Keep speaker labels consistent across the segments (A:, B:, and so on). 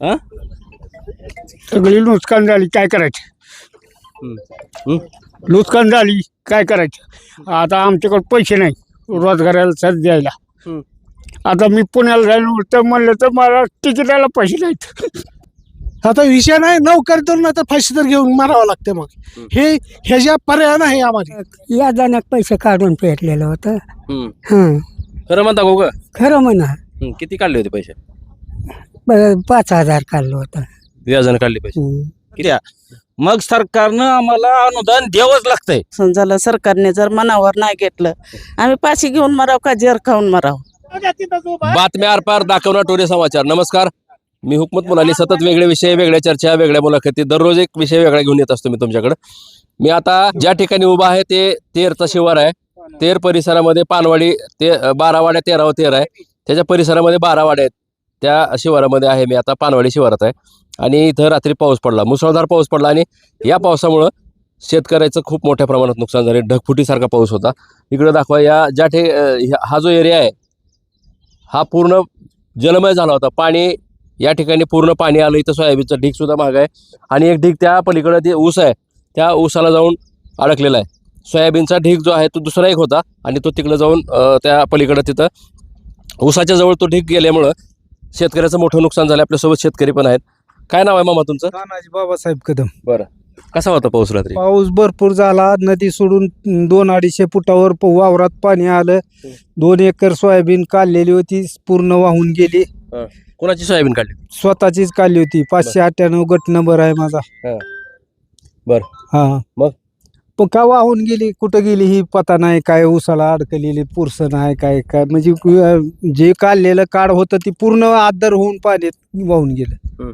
A: हा
B: सगळी नुकसान झाली, काय करायचं? नुकसान झाली, काय करायचं? आता आमच्याकडे पैसे नाही रोजगाराला साथ द्यायला. आता मी पुण्याला जायला तर म्हणलं तर मला तिकिटाला पैसे नाहीत.
C: आता विषय नाही, नोकरी तर नाही तर फाशी तर घेऊन मारावं लागते. मग ह्याच्या पर्याय नाही आम्हाला.
D: या जाण्यात पैसे काढून पेटलेलं होतं.
A: खरं म्हणता गो ग
D: खरं म्हणा.
A: किती काढले होते पैसे?
D: 5,000 काढलं होतं.
A: व्याजानं काढले पैसे किती? मग सरकारनं आम्हाला अनुदान द्यावंच लागतंय.
E: समजायला सरकारने जर मनावर नाही घेतलं, आम्ही पाशी घेऊन मराव का जेर खाऊन मराव.
A: बातम्या आरपार दाखवणार टोरे समाचार. नमस्कार, मी हुकमत मुलानी. सतत वेगळे विषय, वेगळ्या चर्चा, वेगळ्या मुलाखती, दररोज एक विषय वेगळा घेऊन येत असतो मी तुमच्याकडे. मी आता ज्या ठिकाणी उभा आहे ते तेरचा शिवार आहे. तेर परिसरामध्ये पानवाडी ते 12 वाड्या 13 तेर आहे. त्याच्या परिसरामध्ये 12 वाड्या आहेत. त्या शिवारामध्ये आहे मी आता, पानवाडी शिवारात आहे. आणि इथं रात्री पाऊस पडला, मुसळधार पाऊस पडला. आणि या पावसामुळं शेतकऱ्याचं खूप मोठ्या प्रमाणात नुकसान झाले. ढगफुटीसारखा पाऊस होता. इकडे दाखवा, या हा जो एरिया आहे हा पूर्ण जलमय झाला होता. पाणी या ठिकाणी पूर्ण पाणी आलं. इथं सोयाबीनचं ढीग सुद्धा महाग आहे. आणि एक ढीग त्या पलीकडे ते ऊस आहे, त्या ऊसाला जाऊन अडकलेला आहे. सोयाबीनचा ढीग जो आहे तो दुसरा एक होता आणि तो तिकडे जाऊन त्या पलीकडे तिथं ऊसाच्या जवळ तो ढीग गेल्यामुळं शेतकऱ्याचं मोठं नुकसान झालं. आपल्यासोबत शेतकरी पण आहेत. काय नाव आहे मामा तुमचं?
F: तानाजी बाबासाहेब कदम.
A: बरं, कसा होता पाऊस रात्री?
F: पाऊस भरपूर झाला. नदी सोडून 200-250 फुटावर वावरात पाणी आलं. 2 एकर सोयाबीन काढलेली होती, पूर्ण वाहून गेली.
A: कोणाची सोयाबीन काढली?
F: स्वतःचीच काढली होती. 598 गट नंबर आहे माझा.
A: बर,
F: हा,
A: मग?
F: पण का वाहून गेली, कुठं गेली ही पता नाही. काय उसाला अडकलेली पुरसं नाही, काय काय म्हणजे जे काढलेलं काढ होतं ती पूर्ण आदर होऊन पाण्यात वाहून गेलं.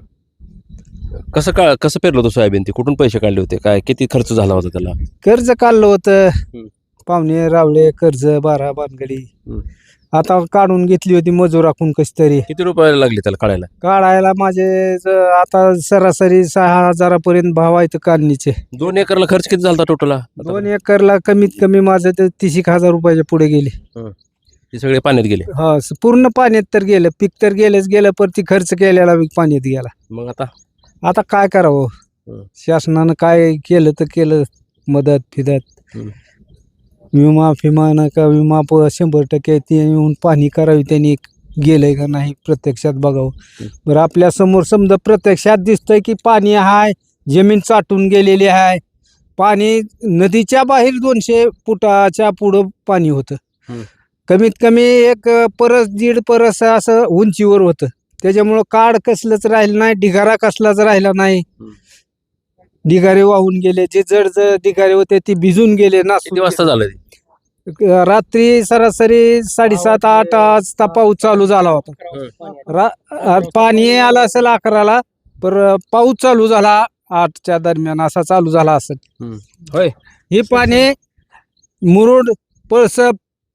A: कसं पेरलं होतं सोयाबीन? ती कुठून पैसे काढले होते? काय किती खर्च झाला होता त्याला?
F: कर्ज काढलं होतं, पाहुणे रावळे कर्ज 12 बानगडी. आता काढून घेतली होती मजूर राखून कशी तरी.
A: किती रुपये लागले त्याला
F: काढायला माझे आता सरासरी 6,000 भाव आहेत काढणीचे.
A: 2 एकरला खर्च किती झाला टोटल?
F: 2 एकरला कमीत कमी माझं ते 30,000 रुपयाच्या पुढे गेले.
A: ते सगळे पाण्यात गेले?
F: हा, पूर्ण पाण्यात तर गेलं. पीक तर गेलेच गेलं, पण ती खर्च केलेला पाण्यात गेला.
A: मग
F: आता काय करावं? शासनानं काय केलं तर केलं, मदत फिदत, विमा फिमा नका विमा 100% ते येऊन पाहणी करावी. त्यांनी गेलंय का नाही प्रत्यक्षात बघावं. बरं, आपल्या समोर समजा प्रत्यक्षात दिसतंय की पाणी आहे, जमीन चाटून गेलेली आहे. पाणी नदीच्या बाहेर 200 फुटाच्या पुढं पाणी होतं. कमीत कमी 1 परस 1.5 परस असं उंचीवर होतं. त्याच्यामुळं काड कसलंच राहिलं नाही, ढिगारा कसलाच राहिला नाही. ढिगारे वाहून गेले. जे जड ढिगारे होते ते भिजून गेले ना.
A: किती वाजता झालं?
F: रात्री सरासरी 7:30-8 वाजता पाऊस चालू झाला होता. पाणी आलं असेल 11ला, पर पाऊस चालू झाला 8च्या दरम्यान असा चालू झाला असेल.
A: होय,
F: हे पाणी मुरुड, पळसप,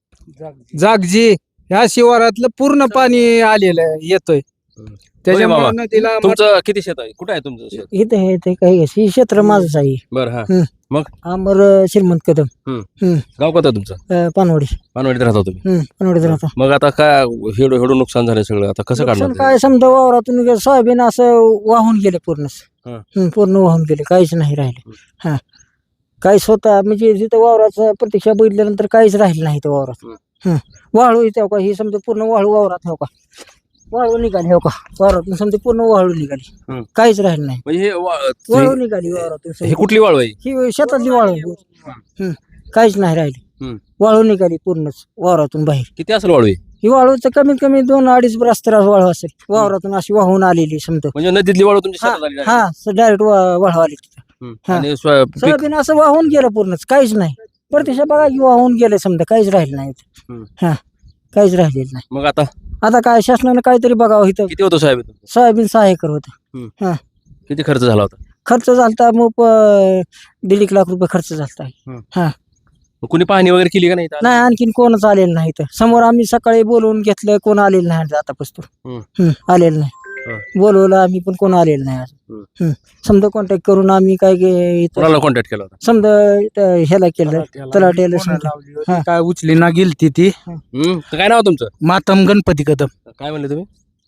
F: जागजी ह्या शिवारातलं पूर्ण पाणी आलेलं येतोय. त्याच्यामुळे नदीला
A: तुमचं किती शेत आहे? कुठे आहे तुमचं शेत?
D: इथे हे ते काही क्षेत्र माझंच आहे.
A: बरं, मग?
D: आमर श्रीमंत कदम.
A: गाव कोणतं तुमचं?
D: पानवाडी.
A: पानवाडीत राहता तुम्ही?
D: पानवाडीत राहता.
A: मग आता काय हेडू नुकसान झालं सगळं, आता कसं काढणार?
D: काय समजा वावरातून सोयाबीन असं वाहून गेले, पूर्ण वाहून गेले, काहीच नाही राहिले. हा, काही स्वतः म्हणजे जिथं वावराचं प्रत्यक्ष बघितल्यानंतर काहीच राहिलं नाही त्या वावरात. वाळू इथे का, ही समजा पूर्ण वाळू वावरात हो का, वाळू निघाली हो का वावरातून, समजा पूर्ण वाळू निघाली, काहीच राहिलं नाही.
A: म्हणजे
D: वाळू निघाली वावरातून.
A: हे कुठली वाळू आहे?
D: ही शेतातली वाळू, काहीच नाही राहिली. वाळू निघाली पूर्णच वावरातून बाहेर.
A: किती असेल वाळू?
D: ही वाळूचं कमीत कमी 2-2.5 रस्त्याला वाळू असेल वावरातून अशी वाहून आलेली समजा.
A: म्हणजे नदीतली वाळू तुमच्या शेतात आली?
D: हा, डायरेक्ट वाळू आली. सोयाबीन असं वाहून गेलं पूर्णच, काहीच नाही. प्रत्यक्ष बघा की वाहून गेलं समजा, काहीच राहिलं नाही. हा, काहीच राहिलेलं नाही.
A: मग आता
D: काय शासनानं काहीतरी बघावं. इथं
A: किती होतं सोयाबीन?
D: सोयाबीन 6 एकर होतं. हा,
A: किती खर्च झाला होता?
D: खर्च झालता मग 1.5 लाख रुपये खर्च झालता. हा,
A: कुणी पाहणी वगैरे केली का नाही?
D: नाही, आणखीन कोणच आलेलं नाही. तर समोर आम्ही सकाळी बोलवून घेतलं, कोण आलेलं नाही आतापासून. आलेलं नाही. बोलवलं आम्ही पण कोण आलेलं नाही. समजा कॉन्टॅक्ट करून आम्ही काय
A: कॉन्टॅक्ट केला होता?
D: समजा ह्याला केलं, तलाट्याला समजा.
F: काय उचली ना गेलती ती.
A: काय नाव तुमचं?
F: मातम गणपती कदम.
A: काय म्हणले तुम्ही?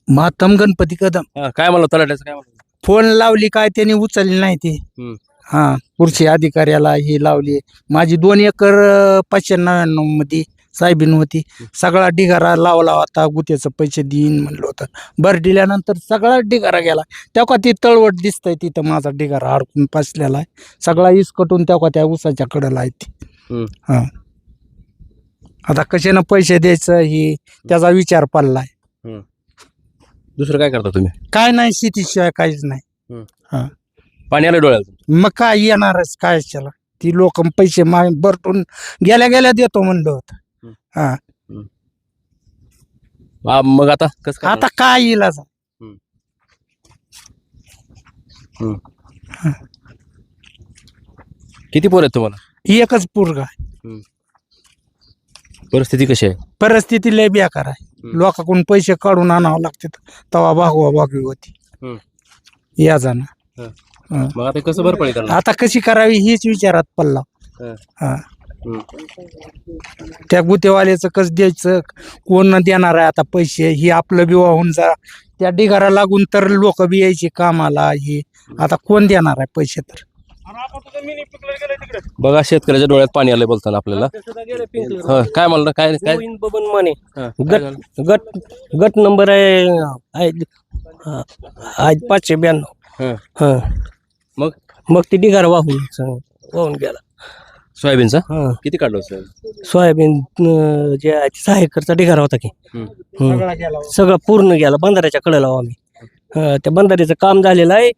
F: मातम गणपती कदम.
A: काय म्हणलं तलाट्याचं, काय म्हणलं?
F: फोन लावली काय त्यांनी उचलली नाही ती.
A: हम्म.
F: हा कृषी अधिकाऱ्याला ही लावली. माझी 2 एकर 599 मध्ये साहेबीन होती. सगळा ढिगारा लावला होता. गुत्याचं पैसे देईन म्हणलं होतं. बरं दिल्यानंतर सगळा ढिगारा गेला. तेव्हा ती तळवट दिसतंय तिथं माझा ढिगारा अडकून फसलेला आहे. सगळा इसकटून तेव्हा त्या उसाच्या कडेला आहे ती.
A: हम्म.
F: हा आता कशानं पैसे द्यायचं ही त्याचा विचार पडलाय.
A: दुसरं काय करता तुम्ही?
F: काय नाही शेतीशिवाय काहीच नाही.
A: पाणी आलं डोळ्यात?
F: मग काय येणारच काय त्याला. ती लोक पैसे भरटून गेल्या गेल्या देतो म्हणलं होतं. हा
A: मग आता कसं
F: आता काय येईल असं.
A: किती पोर आहेत तुम्हाला?
F: एकच पोरगा आहे.
A: परिस्थिती कशी आहे?
F: परिस्थिती लय बेकार आहे. लोकांकडून पैसे काढून आणावं लागते तवा भागवा भागवी होती. या जाणं
A: मग आता कसं भरपाई करणार?
F: आता कशी करावी हीच विचारात पडला. हा त्या गुतेवाल्याचं कसं द्यायचं, कोण देणार आहे आता पैसे, ही आपलं बी वाहून जा. त्या ढिगारा लागून तर लोक बी यायचे कामाला. ही आता कोण देणार आहे पैसे तर.
A: बघा शेतकऱ्याच्या डोळ्यात पाणी आलंय बोलताना आपल्याला. काय म्हणलं? काय काय
G: बबन माने
A: काय झालं?
G: गट नंबर आहे 592.
A: मग
G: मग ती ढिगारा वाहून गेला.
A: सोयाबीनचा
G: हा.
A: किती काढलं सोयाबीन?
G: सोयाबीन जे आहे 6 एकरचा ढिगारा होता की. सगळं पूर्ण गेला. बंधाऱ्याच्या कडेला आम्ही. त्या बंधाऱ्याचं काम झालेलं आहे.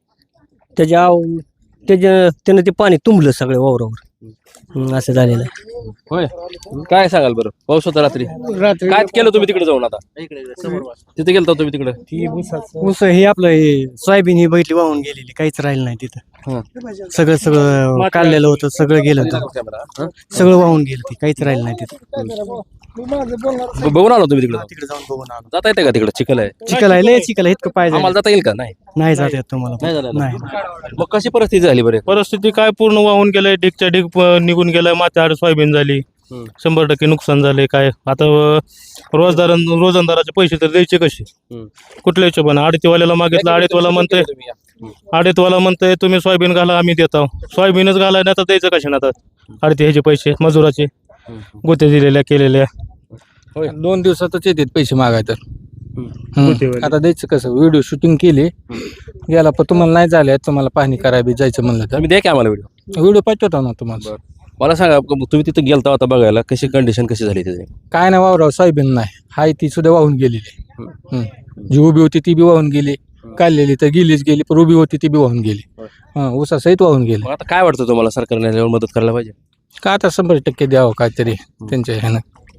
G: त्यानं ते पाणी तुंबलं सगळं वावरावर. असं झालेलं आहे.
A: होय. काय सांगाल बरं? पाऊस होता रात्री. काय केलं तुम्ही तिकडे जाऊन? आता तिथे गेलता तुम्ही तिकडे?
G: ऊस हे आपलं हे सोयाबीन ही बैठली वाहून गेलेली. काहीच राहिलं नाही तिथं. सगळं काढलेलं होतं. सगळं गेलं होतं. सगळं वाहून गेलं. ते काहीच राहिलं नाही तिथं.
A: बघून आलो तुम्ही तिकडे?
G: तिकडे जाऊन बघून आलो.
A: जाता येते का तिकडे? चिखल आहे.
G: चिखल आहे. लय चिखल आहे. इतकं पाहिजे
A: आम्हाला जाता येईल का? नाही
G: नाही जात येत तुम्हाला.
A: नाही झालं ना?
G: नाही.
A: मग कशी परिस्थिती झाली बरे?
H: परिस्थिती काय पूर्ण वाहून गेलंय. ढीकच्या ढीक निघून गेलाय. माथ्याआड सोयाबीन झाली. 100% नुकसान झाले. काय आता रोजंदाराचे पैसे तर द्यायचे कसे? कुठल्या हिशोबाने? आडतीवाल्याला मागितलं. आडतीवाला म्हणतोय तुम्ही सोयाबीन घाला, आम्ही देतो. सोयाबीनच घालाय नाही तर द्यायचं कशा ना? आता आडती ह्याचे पैसे मजुराचे गोते दिलेल्या केलेल्या.
F: 2 दिवसातच येतात पैसे मागाय तर. आता द्यायचं कसं? व्हिडिओ शूटिंग केली गेला पण तुम्हाला नाही झाले. तुम्हाला पाहणी करावी जायचं म्हणलं तर
A: तुम्ही द्या की आम्हाला व्हिडिओ.
F: व्हिडिओ पाठवतो ना तुम्हाला.
A: मला सांगा तुम्ही तिथे गेलता होता बघायला, कशी कंडिशन कशी झाली त्याची?
F: काय नाही वावराव सोयाबीन नाही. हाय ती सुद्धा वाहून गेलेली. जी उभी होती ती बी वाहून गेली. काढलेली तर गेलीच गेली. पण उभी होती ती बी वाहून गेली. ऊसासहित वाहून गेली.
A: मग आता काय वाटतं तुम्हाला? सरकारने याच्यावर मदत करायला पाहिजे
F: का? आता 100% द्यावं काहीतरी त्यांच्या ह्यानं.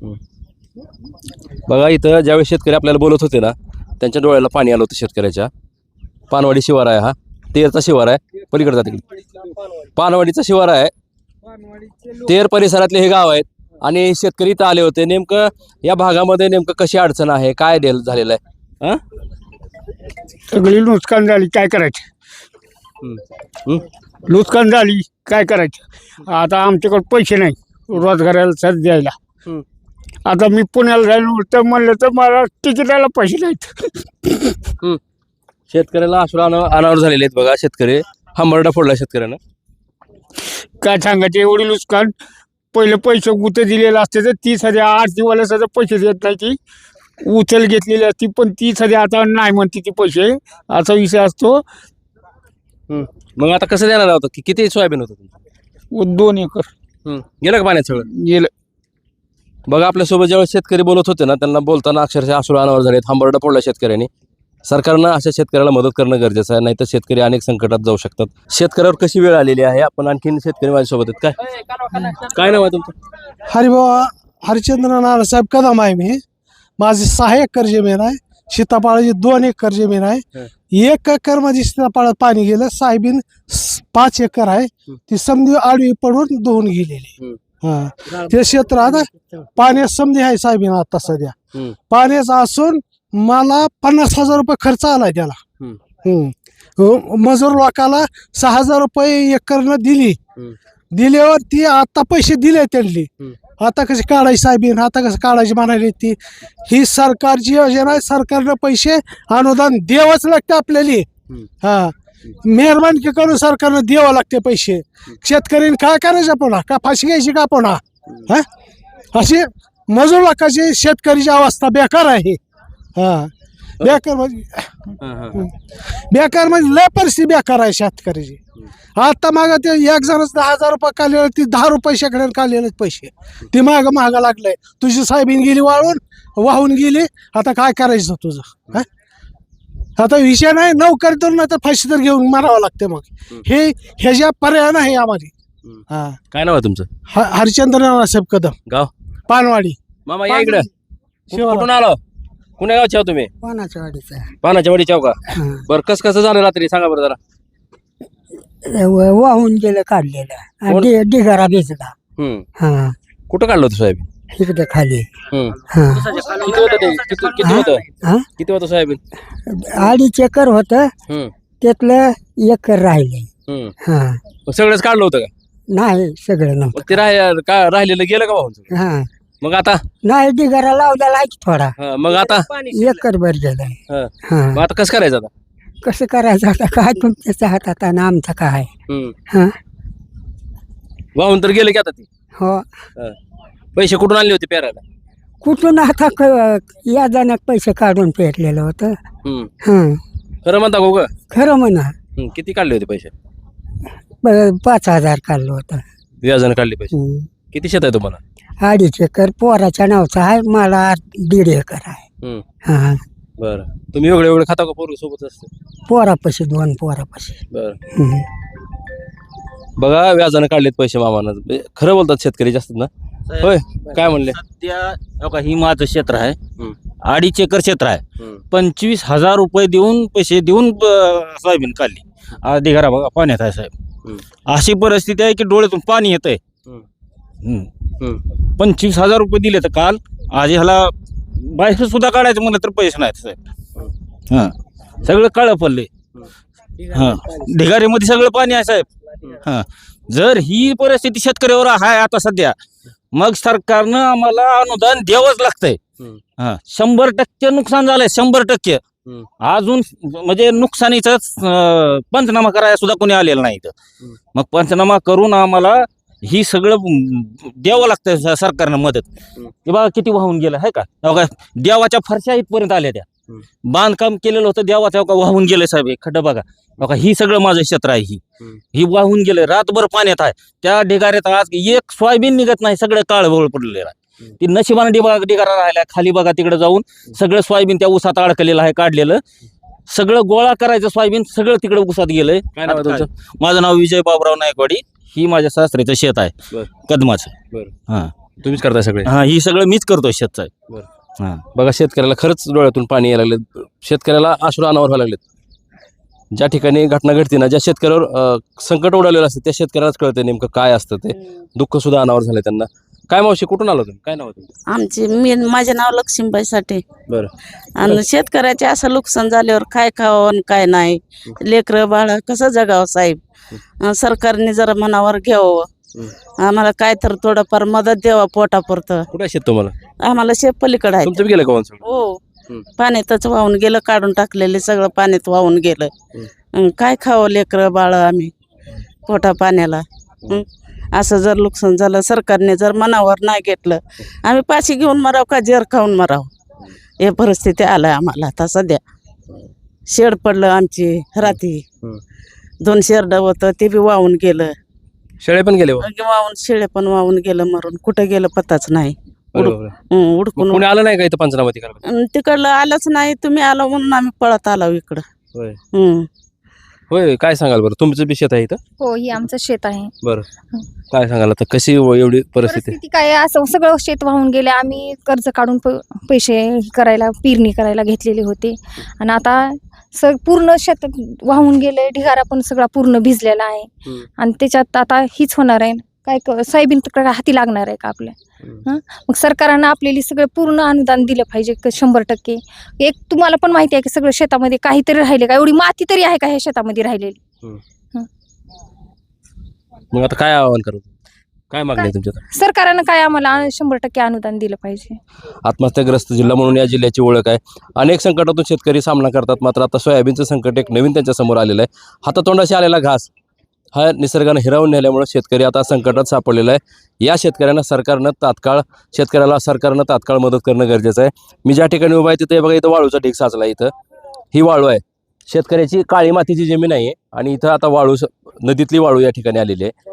A: बघा इथं ज्यावेळी शेतकरी आपल्याला बोलत होते ना, त्यांच्या डोळ्याला पाणी आलं होतं शेतकऱ्याच्या. पानवाडी शिवार आहे हा. तेरचा शिवार आहे. पलीकडे जाते पानवाडीचा शिवार आहे. तेर परिसरातले हे गाव आहेत. आणि शेतकरी इथं आले होते. नेमकं या भागामध्ये नेमकं कशी अडचण आहे, काय झालेलं आहे?
B: सगळी नुकसान झाली. काय करायचं? नुकसान झाली. काय करायचं? आता आमच्याकडे पैसे नाही रोजगाराला सर द्यायला. आता मी पुण्याला जायला तर म्हणलं तर मला तिकिटाला पैसे नाहीत.
A: शेतकऱ्याला अश्रू अनावर झालेले आहेत. बघा शेतकरी हंबरडा फोडला शेतकऱ्यानं.
B: काय सांगायचं? एवढी नुकसान. पहिले पैसे गुते दिलेले असते तर 30,000 आरतीवाल्या सध्या पैसे देत नाही. ती उचल घेतलेली असती पण 30,000 आता नाही म्हणते ती पैसे. असा विषय असतो.
A: मग आता कसं देणार होतं? किती सोयाबीन होतं तुमचं?
B: 2 एकर
A: गेलं का पाण्यात सगळं?
B: गेलं.
A: बघा आपल्यासोबत जेव्हा शेतकरी बोलत होते ना, त्यांना बोलताना अक्षरशः अश्रू अनावर झाले. हंबरडा फोडला शेतकऱ्यांनी. सरकारनं अशा शेतकऱ्याला मदत करणं गरजेचं आहे, नाहीतर शेतकरी अनेक संकटात जाऊ शकतात. शेतकऱ्यावर कशी वेळ आलेली आहे. आपण आणखीन शेतकरी माझ्यासोबत आहेत. काय नाव आहे तुमचं?
C: हरिभाऊ हरिचंद्र नानासाहेब कदम आहे मी. माझी 6 एकर जमीन आहे. सीताफळाची 2 एकर जमीन आहे. 1 एकर मध्ये सीताफळात पाणी गेलं. सोयाबीन 5 एकर आहे. ती समधी आडवी पडून धुवून गेलेली. ते क्षेत्र आता पाण्यात समधी आहे सोयाबीन आता सध्या. पाण्याचा असून मला 50,000 रुपये खर्च आलाय त्याला. मजूर लोकाला 6,000 रुपये एकरनं दिल्यावर ती आता पैसे दिले त्यांनी. आता कशी काढायची साहेबीन, आता कसं काढायची म्हणाली ती. ही सरकारची योजना आहे, सरकारनं पैसे अनुदान द्यावंच लागतं आपल्याला. हा, मेहरबानी करून सरकारनं द्यावं लागते पैसे. शेतकऱ्यांनी काय करायचं पुन्हा, का फाशी घ्यायची का पुन्हा? हा, अशी मजूर लोकांची शेतकरीची अवस्था बेकार आहे. हा, बेकार म्हणजे लय परिस्थिती बेकार आहे शेतकऱ्याची. आता मागं ते एक जणच 10,000 रुपये काढले, ती 10 रुपये शेकड्यानं काढलेले पैसे ती महागा लागलंय. तुझी साहेबीन गेली वाहून गेली. आता काय करायचं तुझं? हा, आता विषय नाही, नोकरी तर नाही तर फाशी तर घेऊन मारावं लागते. मग ह्याच्या पर्याय नाही आम्हाला. हा,
A: काय नाव आहे तुमचं?
C: हरिचंद्र नानासाहेब कदम,
A: गाव?
C: पानवाडी.
A: मामा या इकडं. कुठून आलो? कुण्या गावचे आहो तुम्ही?
D: पानाच्या वाडीचा
A: पानाच्या वाडीच्या का? बरं, कसं झालं रात्री सांगा बरं जरा.
D: वाहून गेलं काढलेलं, ढिगारा भिजला. हा,
A: कुठं काढलं होतं सोयाबीन?
D: इकडे खाली.
A: किती होतं ते? किती होतं?
D: हा,
A: किती होतं सोयाबीन?
D: 2.5 एकर होत, त्यातलं एकर राहिले. हा,
A: मग सगळंच काढलं होतं का?
D: नाही, सगळं
A: मग ते राहिलेलं गेलं का वाहून सगळं?
D: हा,
A: मग आता?
D: नाही, ढिगारा लावलेला आहे की थोडा.
A: मग आता?
D: एकर भर गेलाय.
A: मग आता कसं करायचं आता?
D: कसं करायचं आता, काय तुमच्या हातात आणि आमचं काय? हा,
A: वाहून तर गेले की आता ते.
D: हो,
A: पैसे कुठून आणले होते पेरायला?
D: कुठून आता या जाण्यात पैसे काढून पेरलेलं होतं. हा,
A: खरं म्हणता गो ग?
D: खरं म्हणा.
A: किती काढले होते पैसे?
D: 5,000 काढलं होतं.
A: व्याजानं काढले पैसे. किती शेत आहे तुम्हाला?
D: 2.5 एकर पोराच्या नावचा आहे, मला 1.5 एकर आहे. हा,
A: बरं. तुम्ही वेगळे खाता का पोरं सोबत असते?
D: पोरापाशी 2 पोरापाशी.
A: बरं. बघा, व्याजानं काढलेत पैसे मामानं. खरं बोलतात शेतकरी जास्त ना? होय, काय म्हणले?
I: सध्या ही माझं क्षेत्र आहे, 2.5 एकर क्षेत्र आहे. 25,000 रुपये देऊन पैसे देऊन सोयाबीन काढली. अर्धी घरा बघा पाण्यात आहे साहेब. अशी परिस्थिती आहे की डोळ्यातून पाणी येत आहे. 25,000 रुपये दिले तर काल. आज ह्याला बाहेर सुद्धा काढायचं म्हणलं तर पैसे नाहीत साहेब. हा, सगळं काळं पडले. हा, ढिगारीमध्ये सगळं पाणी आहे साहेब. हा, जर ही परिस्थिती शेतकऱ्यावर आहे आता सध्या, मग सरकारनं आम्हाला अनुदान द्यावंच लागतंय. हा, 100% नुकसान झालंय, 100%. अजून म्हणजे नुकसानीचा पंचनामा करायला सुद्धा कोणी आलेलं नाही. मग पंचनामा करून आम्हाला ही सगळं द्यावं लागतं सरकारनं मदत. हे बघा किती वाहून गेलं आहे का? बघा, देवाच्या फरशा इथपर्यंत आल्या. त्या बांधकाम केलेलं होतं देवाच्या वाहून गेलं साहेब. हे खड्डं बघा. बघा, ही सगळं माझं क्षेत्र आहे. ही वाहून गेलं, रातभर पाण्यात आहे. त्या ढिगाऱ्यात आज एक सोयाबीन निघत नाही, सगळं काळभोळ पडलेलं आहे. ती नशिबाने ढिगारा राहिला. खाली बघा, तिकडे जाऊन सगळं सोयाबीन त्या उसात अडकलेलं आहे. काढलेलं सगळं गोळा करायचं सोयाबीन सगळं तिकडे उसात गेलंय.
A: काय नाव आहे तुमचं?
I: माझं नाव विजय बाबुराव नायकवाडी. ही माझ्या सासऱ्याचं शेत आहे, कदमाचं. हा,
A: तुम्हीच करताय सगळे?
I: हा, ही सगळं मीच करतोय शेतचं. हा,
A: बघा, शेतकऱ्याला खरंच डोळ्यातून पाणी यायला लागले. शेतकऱ्याला अश्रू अनावर व्हायला लागलेत. ज्या ठिकाणी घटना घडते ना, ज्या शेतकऱ्यावर संकट उडालेलं असतं त्या शेतकऱ्यालाच कळतं नेमकं काय असतं ते. दुःख सुद्धा अनावर झालंय त्यांना. काय मावशी, कुठून आलो तुम्ही? काय नाव आहे तुमचं?
E: माझे नाव लक्ष्मीबाई साठे.
A: बरं.
E: आणि शेतकऱ्याचे असं नुकसान झाल्यावर काय खावं आणि काय नाही, लेकरं बाळ कसं जगावं साहेब? सरकारने जरा मनावर घ्यावं. आम्हाला काय तर थोडंफार मदत द्यावा पोटापुरतं.
A: कुठे शेत तुम्हाला?
E: आम्हाला शेत पलीकडे आहे.
A: तुमचं बी गेलं का वाहून सगळं?
E: हो, पाण्यातच वाहून गेलं, काढून टाकलेले सगळं पाण्यात वाहून गेलं. काय खावं लेकरं बाळ आम्ही पोटा पाण्याला? असं जर नुकसान झालं, सरकारने जर मनावर नाही घेतलं, आम्ही पाशी घेऊन मराव का जेर खाऊन मराव? हे परिस्थिती आलं आम्हाला आता सध्या. शेड पडलं आमची रात्री. 2 शेरडं होतं ते बी वाहून गेलं.
A: शेळे पण गेले?
E: वाहून शेळे पण वाहून गेलं, मरून कुठं गेलं पताच नाही. उडकून
A: कोणी आलं नाही का इथं पंचनामा करायला?
E: तिकडलं आलंच नाही. तुम्ही आलो म्हणून आम्ही पळत आलो इकडं.
A: होय, काय सांगाल बरं? तुमचं बी शेत आहे इथं?
J: हो, ही आमचं शेत आहे.
A: बरं, काय सांगाल आता? कशी एवढी परिस्थिती?
J: काय, असं सगळं शेत वाहून गेले. आम्ही कर्ज काढून पैसे करायला, पेरणी करायला घेतलेले होते आणि आता पूर्ण शेत वाहून गेले. ढिगारा पण सगळा पूर्ण भिजलेला आहे आणि त्याच्यात आता हीच होणार आहे. काय सोयाबीन तर हाती लागणार आहे का आपल्या? मग सरकारनं आपल्याला सगळं पूर्ण अनुदान दिलं पाहिजे 100%. एक तुम्हाला पण माहिती आहे की सगळं शेतामध्ये काहीतरी राहिले का? एवढी माती तरी आहे का ह्या शेतामध्ये राहिलेली?
A: मग आता काय आवाहन करू? काय मागणी आहे तुमच्या?
J: सरकारनं काय आम्हाला 100% अनुदान दिलं पाहिजे.
A: आत्महत्याग्रस्त जिल्हा म्हणून या जिल्ह्याची ओळख आहे. अनेक संकटातून शेतकरी सामना करतात, मात्र आता सोयाबीनचं संकट एक नवीन त्यांच्या समोर आलेलं आहे. हातातोंडाशी आलेला घास हा निसर्गानं हिरावून नेल्यामुळे शेतकरी आता संकटात सापडलेला आहे. या शेतकऱ्याला सरकारनं तात्काळ मदत करणं गरजेचं आहे. मी ज्या ठिकाणी उभा आहे तिथे बघा, इथं वाळूचा ढीग साचला. इथं ही वाळू आहे, शेतकऱ्याची काळी मातीची जमीन आहे आणि इथं आता नदीतली वाळू या ठिकाणी आलेली आहे.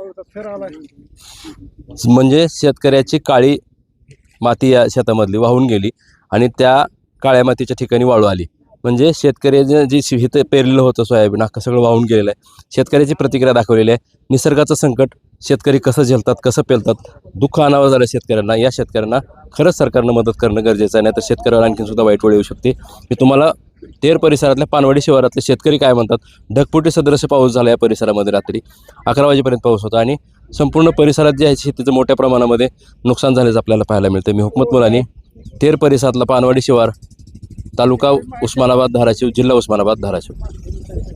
A: म्हणजे शेतकऱ्याची काळी माती या शेतामधली वाहून गेली आणि त्या काळ्या मातीच्या ठिकाणी वाळू आली. म्हणजे शेतकऱ्याचं जी हिथं पेरलेलं होतं सोयाबीन अख्खं सगळं वाहून गेलेलं आहे. शेतकऱ्याची प्रतिक्रिया दाखवलेली आहे. निसर्गाचं संकट शेतकरी कसं झेलतात, कसं पेलतात, दुःख आणावं झालं शेतकऱ्यांना. या शेतकऱ्यांना खरंच सरकारनं मदत करणं गरजेचं आहे, नाही तर शेतकऱ्याला आणखी सुद्धा वाईट वेळ येऊ शकते. मी तुम्हाला तेर परिसरातल्या पानवाडी शिवारातले शेतकरी काय म्हणतात. ढगफुटी सदृश्य पाऊस झाला या परिसरामध्ये. रात्री 11 वाजेपर्यंत पाऊस होता आणि संपूर्ण परिसरात जे आहे शेतीचं मोठ्या प्रमाणामध्ये नुकसान झाल्याचं आपल्याला पाहायला मिळतं. मी हुकमत मुलानी, तेर परिसरातला पानवाडी शिवार, तालुका उस्मानाबाद धाराशिव, जिल्हा उस्मानाबाद धाराशिव.